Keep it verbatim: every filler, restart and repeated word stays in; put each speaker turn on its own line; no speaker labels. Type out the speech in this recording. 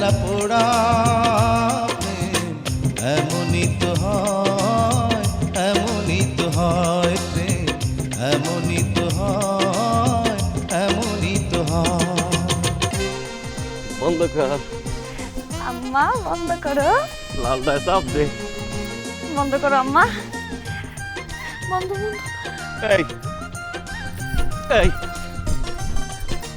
জ্বালা পোড়া প্রেম এমনই তো হয়, এমনই তো হয় প্রেম, এমনই তো হয়, এমনই তো হয়।
বন্ধ কর,
আম্মা বন্ধ করো,
লালটায় চাপ দে।
বন্ধ করো আম্মা, বন্ধ বন্ধ।
এই এই